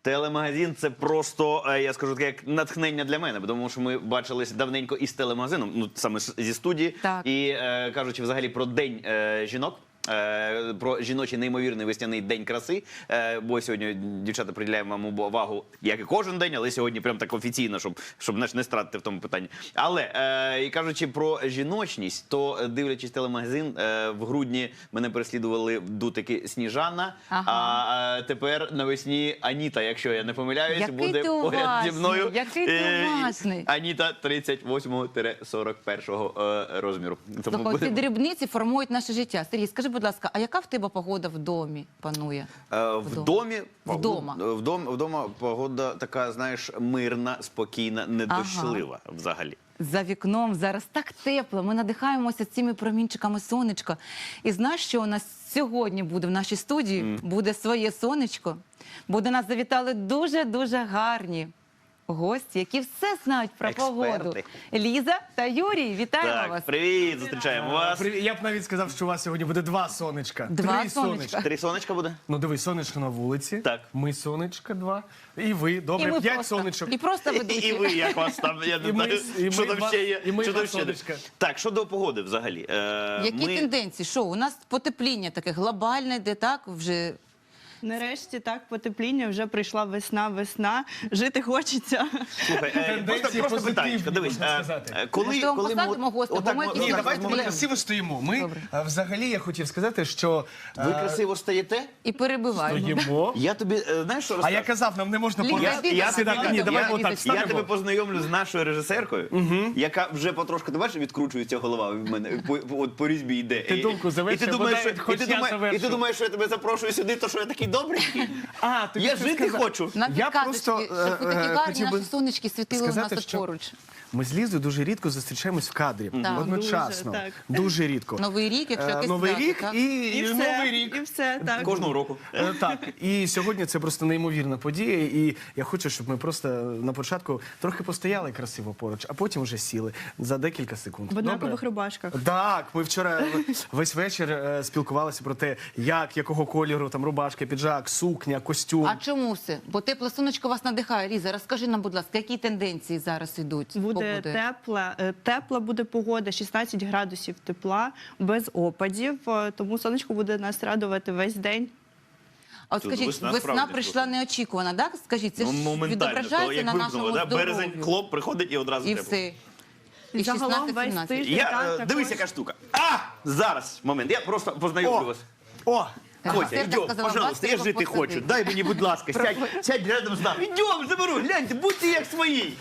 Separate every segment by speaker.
Speaker 1: Телемагазин – це просто, я скажу таке, як натхнення для мене, тому що ми бачились давненько із телемагазином, ну саме зі студії,
Speaker 2: Так.
Speaker 1: і кажучи взагалі про День жінок, про жіночий неймовірний весняний день краси, бо сьогодні дівчата приділяємо вам увагу, як і кожен день, але сьогодні прям так офіційно, щоб не стратити в тому питанні. Але, і кажучи про жіночність, то дивлячись телемагазин, в грудні мене переслідували дутики Сніжана, а тепер навесні Аніта, якщо я не помиляюсь,
Speaker 2: Який
Speaker 1: буде
Speaker 2: ти
Speaker 1: поряд зі
Speaker 2: уважний,
Speaker 1: мною.
Speaker 2: який ти уважний.
Speaker 1: Аніта 38-41 розміру. Тому
Speaker 2: Слухай, ці
Speaker 1: будемо-
Speaker 2: дрібниці формують наше життя. Сергій, скажи, будь ласка, а яка в тебе погода в домі панує?
Speaker 1: Вдома погода така, знаєш, мирна, спокійна, недощлива взагалі.
Speaker 2: За вікном зараз так тепло, ми надихаємося цими промінчиками сонечка. І знаєш, що у нас сьогодні буде в нашій студії? Буде своє сонечко, бо до нас завітали дуже-дуже гарні гості, які все знають про
Speaker 1: Експерти.
Speaker 2: погоду. Ліза та Юрій, вітаємо
Speaker 1: Так,
Speaker 2: вас.
Speaker 1: привіт, зустрічаємо вас.
Speaker 3: Я б навіть сказав, що у вас сьогодні буде два сонечка.
Speaker 2: Два
Speaker 3: Три
Speaker 2: сонечка.
Speaker 1: 3 сонечка буде?
Speaker 3: Ну дивись, сонечко на вулиці.
Speaker 1: Так.
Speaker 3: Ми сонечка два. І ви,
Speaker 2: І
Speaker 3: добре,
Speaker 2: ми
Speaker 3: 5
Speaker 2: просто,
Speaker 3: сонечок.
Speaker 2: і просто ведучі.
Speaker 1: І ви, як вас там, я не
Speaker 3: І ми-
Speaker 1: знаю,
Speaker 3: і
Speaker 1: що
Speaker 3: ми
Speaker 1: там
Speaker 3: вас-
Speaker 1: ще є.
Speaker 3: і ми
Speaker 1: що там
Speaker 3: вас,
Speaker 1: ще є.
Speaker 3: сонечка.
Speaker 1: Так, щодо погоди взагалі.
Speaker 2: Які тенденції? Що, у нас потепління таке глобальне, де так вже...
Speaker 4: Нарешті так потепління, вже прийшла весна, жити хочеться.
Speaker 1: Слухай,
Speaker 3: Тенденції
Speaker 1: просто питання,
Speaker 3: позитивні,
Speaker 1: дивись,
Speaker 3: можна сказати.
Speaker 2: Може, вам посадимо гостя, бо ми
Speaker 1: ми-
Speaker 2: якісь
Speaker 3: Ні,
Speaker 2: Ні,
Speaker 3: давайте ми
Speaker 2: проблем.
Speaker 3: красиво стоїмо. Ми
Speaker 2: Добре.
Speaker 3: взагалі я хотів сказати, що
Speaker 1: ви красиво стоїте?
Speaker 2: І перебиваємо.
Speaker 3: стоїмо.
Speaker 1: Я тобі, знаєш, що
Speaker 3: А
Speaker 1: розкажу?
Speaker 3: я казав, нам не можна
Speaker 2: Ліза,
Speaker 3: порати.
Speaker 2: йди,
Speaker 3: Сідати.
Speaker 2: давай,
Speaker 3: Ні, давай
Speaker 2: давай,
Speaker 3: отак
Speaker 2: Лізочка.
Speaker 1: Я тебе
Speaker 3: ставимо.
Speaker 1: познайомлю з нашою режисеркою, яка вже потрошку, ти бачиш, відкручується голова в мене, по різьбі йде.
Speaker 3: Ти думку заверши,
Speaker 1: і ти думаєш,
Speaker 3: бодай хоч я
Speaker 1: і
Speaker 3: завершу.
Speaker 1: ти думаєш, що я тебе запрошую сюди, то що я такий добрий?
Speaker 3: А, тобі
Speaker 1: Я
Speaker 3: це
Speaker 1: жити
Speaker 3: сказати.
Speaker 1: хочу.
Speaker 2: Нам
Speaker 3: Я
Speaker 2: підказочки,
Speaker 3: просто,
Speaker 2: щоб ви такі гарні
Speaker 3: хотів би
Speaker 2: наші сонечки світили у нас
Speaker 3: сказати,
Speaker 2: тут
Speaker 3: що
Speaker 2: поруч.
Speaker 3: Ми з Лізою дуже рідко зустрічаємось в кадрі.
Speaker 2: Так.
Speaker 3: Одночасно.
Speaker 4: Дуже, так.
Speaker 3: Дуже рідко.
Speaker 2: Новий рік, якщо якесь
Speaker 3: Новий
Speaker 2: свято,
Speaker 3: рік
Speaker 2: так?
Speaker 3: і
Speaker 4: І
Speaker 3: Новий рік.
Speaker 4: і все, так.
Speaker 1: Кожного року.
Speaker 3: Так, і сьогодні це просто неймовірна подія, і я хочу, щоб ми просто на початку трохи постояли красиво поруч, а потім вже сіли за декілька секунд.
Speaker 4: В однакових
Speaker 3: Добре?
Speaker 4: рубашках.
Speaker 3: Так, ми вчора весь вечір спілкувалися про те, якого кольору там рубашка, піджак, сукня, костюм.
Speaker 2: А чому все? Бо тепле сонечко вас надихає. Ліза, розкажи нам, будь ласка, які тенденції зараз йдуть? з
Speaker 4: Буде
Speaker 2: погодою?
Speaker 4: тепла буде погода, 16 градусів тепла, без опадів, тому сонечко буде нас радувати весь день.
Speaker 2: А от
Speaker 1: Тут
Speaker 2: скажіть,
Speaker 1: весна
Speaker 2: весна
Speaker 1: справді
Speaker 2: прийшла
Speaker 1: просто.
Speaker 2: неочікувана, так? Скажіть, це ж
Speaker 1: Моментально,
Speaker 2: відображається
Speaker 1: як
Speaker 2: на
Speaker 1: вимкнули,
Speaker 2: нашому
Speaker 1: да? Березень,
Speaker 2: здоров'ю.
Speaker 1: хлоп, приходить і одразу
Speaker 2: І
Speaker 1: тепло.
Speaker 2: все. І
Speaker 4: Загалом весь
Speaker 2: 16-17.
Speaker 4: тиждень.
Speaker 1: Я,
Speaker 4: Так, також.
Speaker 1: дивись, яка штука. Зараз, момент, я просто познайомлю вас.
Speaker 3: О!
Speaker 1: Котя,
Speaker 2: Серка
Speaker 1: йдем,
Speaker 2: сказала,
Speaker 1: пожалуйста, я
Speaker 2: вас
Speaker 1: жити
Speaker 2: треба
Speaker 1: хочу.
Speaker 2: посадити.
Speaker 1: Дай мені, будь ласка, сядь рядом з нами. Йдем, заберу, гляньте, будьте як свої.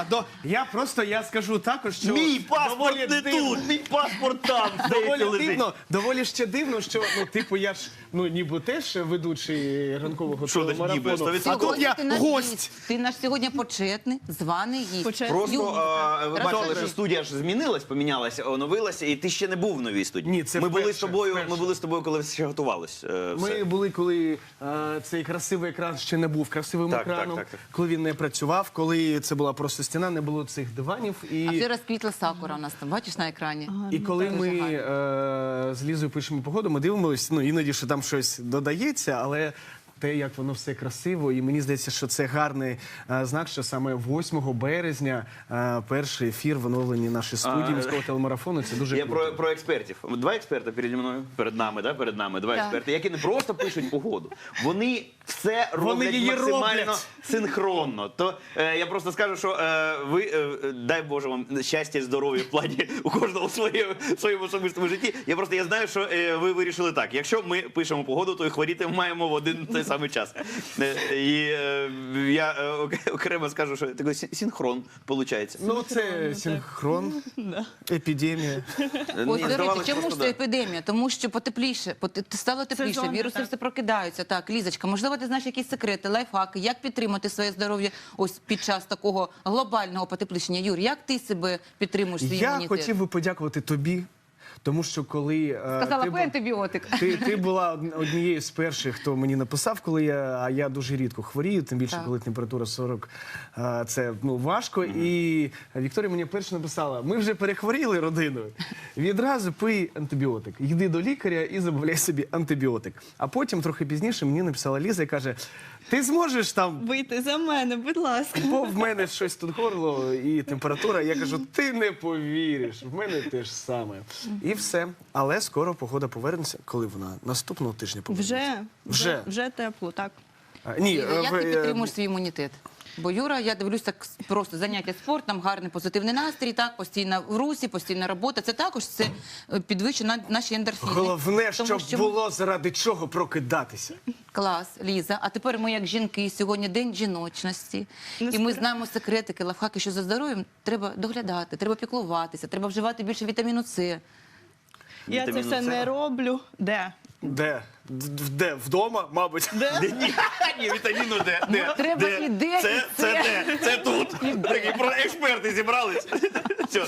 Speaker 3: Я скажу також, що
Speaker 1: Мій паспорт
Speaker 3: доволі
Speaker 1: не
Speaker 3: дивно.
Speaker 1: тут, мій паспорт там. здається, лежить.
Speaker 3: Доволі ще дивно, що я ж ніби теж ведучий ранкового
Speaker 1: Що значить ніби?
Speaker 3: телемарафону.
Speaker 1: 100%.
Speaker 3: А тут я
Speaker 2: Ти наш
Speaker 3: гость.
Speaker 2: гість. Ти наш сьогодні почетний, званий гість.
Speaker 4: Почесний.
Speaker 1: Просто
Speaker 2: Юрій,
Speaker 1: ви
Speaker 2: розкажи.
Speaker 1: бачили, що студія ж змінилась, помінялася, оновилася, і ти ще не був в новій студії.
Speaker 3: Ні, це
Speaker 1: ми були
Speaker 3: вперше,
Speaker 1: з тобою.
Speaker 3: вперше.
Speaker 1: Ми були з тобою, коли ще готувались.
Speaker 3: Ми
Speaker 1: Все.
Speaker 3: були, коли цей красивий екран ще не був красивим
Speaker 1: Так,
Speaker 3: екраном,
Speaker 1: так.
Speaker 3: коли він не працював, коли це була просто стіна, не було цих диванів.
Speaker 2: А вже розквітла сакура у нас там, бачиш на екрані?
Speaker 3: І коли
Speaker 2: Дуже
Speaker 3: ми з Лізою пишемо погоду, ми дивимося, іноді, що там щось додається, але те, як воно все красиво, і мені здається, що це гарний знак, що саме 8 березня перший ефір в оновленні нашої студії міського телемарафону. Це дуже
Speaker 1: Я
Speaker 3: круто.
Speaker 1: про експертів. Два експерти переді мною, перед нами, два
Speaker 2: Так.
Speaker 1: експерти, які не просто пишуть погоду, вони все роблять
Speaker 3: її
Speaker 1: максимально
Speaker 3: роблять.
Speaker 1: синхронно. То я просто скажу, що ви, дай Боже вам щастя, здоров'я в плані у кожного в своєму особистому житті. Я знаю, що ви вирішили так. Якщо ми пишемо погоду, то і хворіти маємо в один той самий час. І я окремо скажу, що такий синхрон виходить.
Speaker 3: Ну, це синхрон, епідемія.
Speaker 2: Ось, до речі, чому ж це епідемія? Тому що потепліше, стало тепліше,
Speaker 4: Сезонно,
Speaker 2: віруси
Speaker 4: так.
Speaker 2: все прокидаються. Так, Лізочка, можливо, ти знаєш якісь секрети, лайфхаки, як підтримати своє здоров'я ось під час такого глобального потеплішення? Юр, як ти себе підтримуєш, свій
Speaker 3: Я
Speaker 2: імунітет?
Speaker 3: хотів би подякувати тобі Тому що коли
Speaker 2: Сказала,
Speaker 3: ти
Speaker 2: пий антибіотик.
Speaker 3: ти була однією з перших, хто мені написав, а я дуже рідко хворію, тим більше,
Speaker 2: Так.
Speaker 3: коли температура 40, це важко. І Вікторія мені перше написала: ми вже перехворіли родиною. Відразу пий антибіотик. Йди до лікаря і замовляй собі антибіотик. А потім, трохи пізніше, мені написала Ліза і каже: ти зможеш там,
Speaker 4: Вийти за мене, будь ласка.
Speaker 3: бо в мене щось тут горло і температура. Я кажу, ти не повіриш, в мене те ж саме. І все. Але скоро погода повернеться. Коли вона? Наступного тижня повернеться.
Speaker 4: Вже тепло, так.
Speaker 3: Ні,
Speaker 2: Як ти підтримуєш свій імунітет? Бо Юра, я дивлюсь, так просто заняття спортом, гарний позитивний настрій, так, постійна в русі, постійна робота. Це також це підвищує наші ендорфіни.
Speaker 3: Головне,
Speaker 2: Тому
Speaker 3: щоб було заради чого прокидатися.
Speaker 2: Клас, Ліза. А тепер ми, як жінки, сьогодні день жіночності. І ми знаємо секретики, лайфхаки, що за здоров'ям треба доглядати, треба піклуватися, треба вживати більше вітаміну С.
Speaker 4: Я це
Speaker 1: Вітаміну
Speaker 4: все
Speaker 1: С.
Speaker 4: не роблю. Де?
Speaker 3: Де? Де? Вдома, мабуть.
Speaker 1: Ні, вітаміну де?
Speaker 2: Треба і де,
Speaker 1: Це
Speaker 2: і це.
Speaker 1: де? Це тут. Такі про експерти зібрались. Все.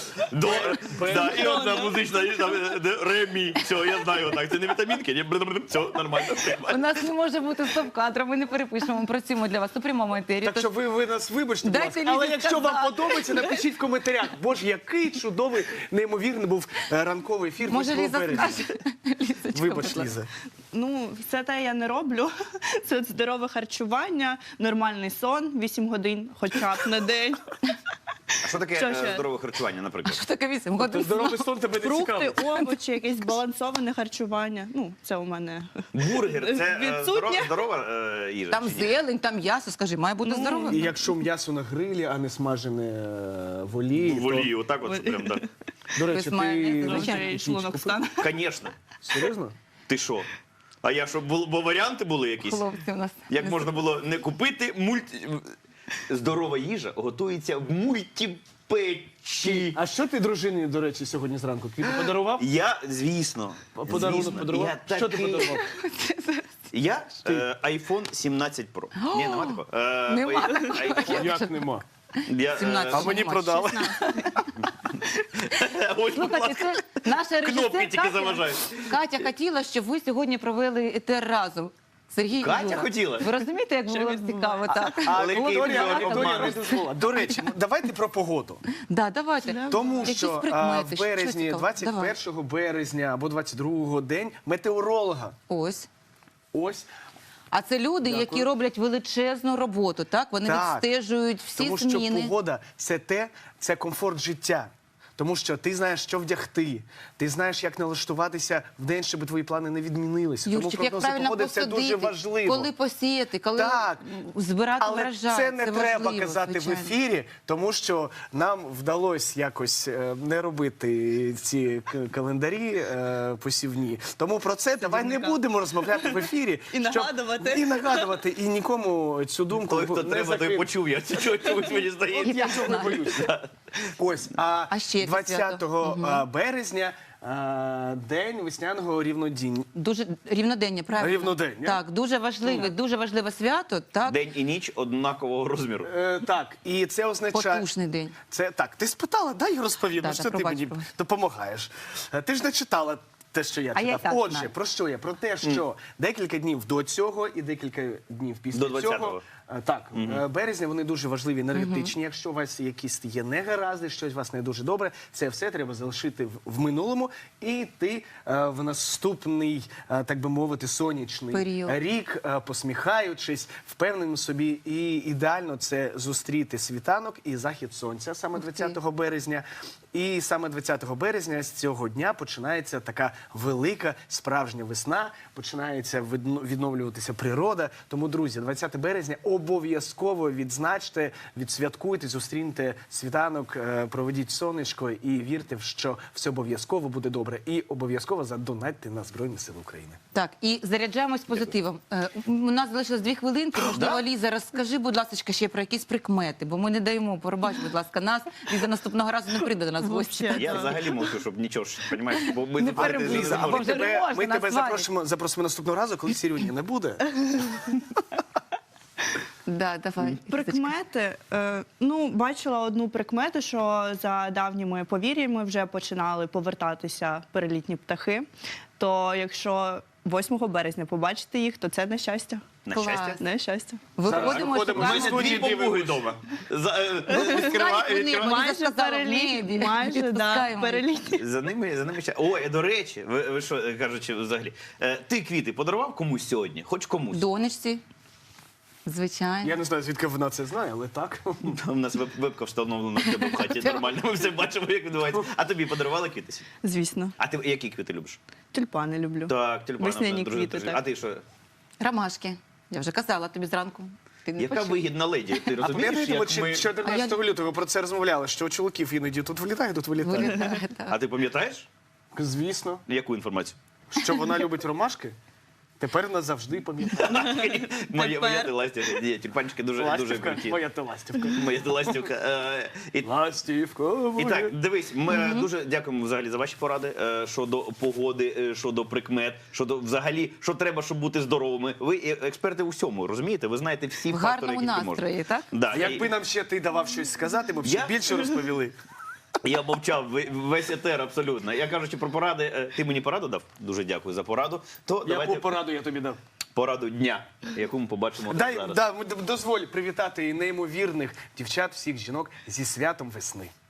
Speaker 1: І одна музична, і там, ремі. Все, я знаю так. Це не вітамінки, ні, все, нормально.
Speaker 2: У нас не може бути стоп-кадра, ми не перепишемо, ми працюємо для вас у прямому етері.
Speaker 3: Так що ви нас вибачте, будь
Speaker 2: Дайте
Speaker 3: ласка. Але
Speaker 2: Лізі
Speaker 3: якщо вам
Speaker 2: сказати.
Speaker 3: подобається, напишіть в коментарях. Боже, який чудовий, неймовірний був ранковий ефір.
Speaker 2: Може,
Speaker 3: 8
Speaker 2: Ліза
Speaker 3: березня.
Speaker 2: скаже? Лізочка,
Speaker 3: Вибач,
Speaker 2: будь ласка.
Speaker 3: Ліза.
Speaker 4: Ну, все те я не роблю. Це от здорове харчування, нормальний сон, 8 годин, хоча б на день.
Speaker 1: А що таке
Speaker 4: Що ще?
Speaker 1: здорове харчування, наприклад?
Speaker 2: Що таке 8 годин?
Speaker 3: Здоровий сон тебе не
Speaker 4: Фрукти,
Speaker 3: цікавить.
Speaker 4: овочі, якесь збалансоване харчування. Ну, це у мене.
Speaker 1: Бургер це
Speaker 4: Відсутнє.
Speaker 1: здорова їжа?
Speaker 2: Там
Speaker 1: чи ні?
Speaker 2: зелень, там м'ясо, скажи, має бути здоровим.
Speaker 3: І якщо м'ясо на грилі, а не смажене в олії,
Speaker 1: В олії, отак от, прям, так.
Speaker 3: то, до речі,
Speaker 2: Без майонезу,
Speaker 3: ти
Speaker 2: звичайно.
Speaker 4: Вже шлунок стане.
Speaker 1: Звісно.
Speaker 3: серйозно?
Speaker 1: Ти що? А я що, бо варіанти були якісь?
Speaker 2: Хлопці у нас.
Speaker 1: Як можна було не купити здорова їжа готується в мультипечі.
Speaker 3: А що ти дружині, до речі, сьогодні зранку? Квіти подарував?
Speaker 1: Я, звісно,
Speaker 3: Подарунок
Speaker 1: звісно,
Speaker 3: подарував?
Speaker 1: я
Speaker 3: Що ти
Speaker 1: такий-
Speaker 3: подарував?
Speaker 1: Я iPhone 17 Pro. Ні, нема такого.
Speaker 2: Нема
Speaker 3: Як нема?
Speaker 2: 17.
Speaker 3: А мені
Speaker 2: нема,
Speaker 3: продали.
Speaker 2: Слухайте, це наша
Speaker 1: Кнопки
Speaker 2: режисер
Speaker 1: тільки заважають.
Speaker 2: Катя хотіла, щоб ви сьогодні провели етер разом. Сергій і
Speaker 1: Катя
Speaker 2: Юра.
Speaker 1: хотіла?
Speaker 2: Ви розумієте, як було цікаво, так?
Speaker 1: Але
Speaker 3: Вікторія не дозволила. До речі, давайте про погоду.
Speaker 2: Да, давайте.
Speaker 3: Тому
Speaker 2: Якісь
Speaker 3: що
Speaker 2: прикмети,
Speaker 3: в березні,
Speaker 2: що цікаво?
Speaker 3: 21 березня або 22 день метеоролога.
Speaker 2: Ось.
Speaker 3: Ось.
Speaker 2: А це люди, які роблять величезну роботу, так? Вони
Speaker 3: Так.
Speaker 2: відстежують всі
Speaker 3: Тому що
Speaker 2: зміни.
Speaker 3: погода це комфорт життя. Тому що ти знаєш, що вдягти, ти знаєш, як налаштуватися в день, щоб твої плани не відмінилися. Тому
Speaker 2: Юрчик, як
Speaker 3: прогнози
Speaker 2: правильно
Speaker 3: погоди це
Speaker 2: посадити,
Speaker 3: дуже важливо.
Speaker 2: коли посіяти, коли
Speaker 3: Так.
Speaker 2: збирати
Speaker 3: Але
Speaker 2: врожай.
Speaker 3: це не треба
Speaker 2: важливо,
Speaker 3: казати
Speaker 2: звичайно.
Speaker 3: в ефірі, тому що нам вдалося якось не робити ці календарі посівні. Тому про це давай не будемо розмовляти в ефірі.
Speaker 4: І нагадувати.
Speaker 3: І нагадувати, і нікому цю думку
Speaker 1: Коли хто
Speaker 3: не
Speaker 1: треба, той
Speaker 3: закинути.
Speaker 1: почув. Я чогось мені
Speaker 3: От
Speaker 1: здається.
Speaker 3: я цього не боюся. Ось,
Speaker 2: А ще яке
Speaker 3: 20
Speaker 2: свято?
Speaker 3: березня день весняного рівнодіння.
Speaker 2: Дуже рівнодення, правильно?
Speaker 3: Рівнодення.
Speaker 2: Так, дуже важливе свято, так?
Speaker 1: День і ніч однакового розміру.
Speaker 3: Так, і це означає...
Speaker 2: Потужний день.
Speaker 3: Це так, ти спитала, дай я розповім,
Speaker 2: Так,
Speaker 3: що
Speaker 2: так,
Speaker 3: ти
Speaker 2: пробач,
Speaker 3: мені
Speaker 2: пробач.
Speaker 3: допомагаєш. Ти ж не читала те, що я
Speaker 2: А я
Speaker 3: читав.
Speaker 2: і так
Speaker 3: Отже,
Speaker 2: знаю.
Speaker 3: про що я? Про те, що декілька днів до цього і декілька днів після
Speaker 1: До 20-го.
Speaker 3: цього. Так, березня вони дуже важливі, енергетичні. Якщо у вас якісь є негаразди, щось у вас не дуже добре, це все треба залишити в минулому і йти в наступний, так би мовити, сонячний
Speaker 2: Період.
Speaker 3: рік, посміхаючись, впевненим в собі. І ідеально це зустріти світанок і захід сонця саме 20 березня. І саме 20 березня з цього дня починається така велика справжня весна, починається відновлюватися природа. Тому, друзі, 20 березня обов'язково відзначте, відсвяткуйте, зустріньте світанок, проведіть сонечко і вірте, що все обов'язково буде добре. І обов'язково задонатьте на Збройні Сили України.
Speaker 2: Так, і заряджаємось позитивом. У нас залишилось 2 хвилинки. Можливо, Ліза, розкажи, будь ласка, ще про якісь прикмети, бо ми не даємо, пробач, будь ласка, нас. Ліза наступного разу не прийде до нас в гості.
Speaker 4: Вообще.
Speaker 1: Я взагалі мовчу, щоб нічого ж, розумієш, бо ми
Speaker 2: Не
Speaker 1: тепер
Speaker 2: перебивай.
Speaker 3: Ліза, а
Speaker 2: Бо
Speaker 3: ми
Speaker 2: вже не
Speaker 3: тебе,
Speaker 2: можна, нас сварять.
Speaker 3: запросимо наступного разу, коли Сірюні не буде.
Speaker 2: Да, давай.
Speaker 4: Прикмети. Ну, бачила одну прикмету, що за давніми повір'ями вже починали повертатися перелітні птахи. То якщо 8 березня побачите їх, то це нещастя.
Speaker 1: На
Speaker 2: Клас.
Speaker 1: щастя.
Speaker 4: Нещастя.
Speaker 2: Виходимо,
Speaker 3: виходимо.
Speaker 1: У
Speaker 2: шукаємо.
Speaker 1: мене
Speaker 3: студії
Speaker 1: дві попуги
Speaker 3: дивимось.
Speaker 1: вдома.
Speaker 2: Відкривають вони,
Speaker 1: Відкриваю.
Speaker 2: Ліза сказала, в небі.
Speaker 4: Майже, да,
Speaker 2: Відпускаємо.
Speaker 4: перелітні.
Speaker 1: За ними ще. Ой, до речі, ви що кажучи взагалі, ти квіти подарував комусь сьогодні? Хоч комусь?
Speaker 2: Донечці, звичайно.
Speaker 3: Я не знаю, звідки вона це знає, але так.
Speaker 1: У нас вебка встановлена в тебе в хаті нормально. Ми все бачимо, як відбувається. А тобі подарували квіти?
Speaker 4: Звісно.
Speaker 1: А ти які квіти любиш?
Speaker 4: Тюльпани люблю.
Speaker 1: Так, тюльпани.
Speaker 4: Весняні
Speaker 1: дуже-
Speaker 4: квіти,
Speaker 1: дуже-
Speaker 4: так.
Speaker 1: А ти що?
Speaker 2: Ромашки. Я вже казала тобі зранку. Ти не
Speaker 1: Яка
Speaker 2: почув.
Speaker 1: вигідна леді? Ти
Speaker 3: А
Speaker 1: розумієш,
Speaker 3: пам'ятаєте,
Speaker 1: як
Speaker 3: от
Speaker 1: ми...
Speaker 3: 14 лютого про це розмовляли, що у чоловіків іноді тут вилітає, тут вилітає.
Speaker 2: Вилітає, так.
Speaker 1: А ти пам'ятаєш?
Speaker 3: Звісно.
Speaker 1: Яку інформацію?
Speaker 3: Що вона любить ромашки, тепер назавжди пам'ятає.
Speaker 1: Моя ти ластівка. Ні, тюльпанчики дуже
Speaker 3: Ластівка,
Speaker 1: круті.
Speaker 3: моя ти ластівка.
Speaker 1: Моя ти ластівка. І
Speaker 3: Ластівка
Speaker 1: І
Speaker 3: моя.
Speaker 1: так, дивись, ми дуже дякуємо взагалі за ваші поради щодо погоди, щодо прикмет, щодо взагалі, що треба, щоб бути здоровими. Ви експерти у всьому, розумієте? Ви знаєте всі
Speaker 2: В
Speaker 1: фактори,
Speaker 2: гарному
Speaker 1: які можна.
Speaker 2: настрої, так?
Speaker 1: Да,
Speaker 3: Якби нам ще ти давав щось сказати, ми б ще
Speaker 1: Я?
Speaker 3: більше розповіли.
Speaker 1: Я мовчав весь етер абсолютно. Я кажучи про поради, ти мені пораду дав? Дуже дякую за пораду. То давайте
Speaker 3: Яку пораду я тобі дав?
Speaker 1: пораду дня, яку ми побачимо зараз.
Speaker 3: Дозволь привітати і неймовірних дівчат, всіх жінок зі святом весни.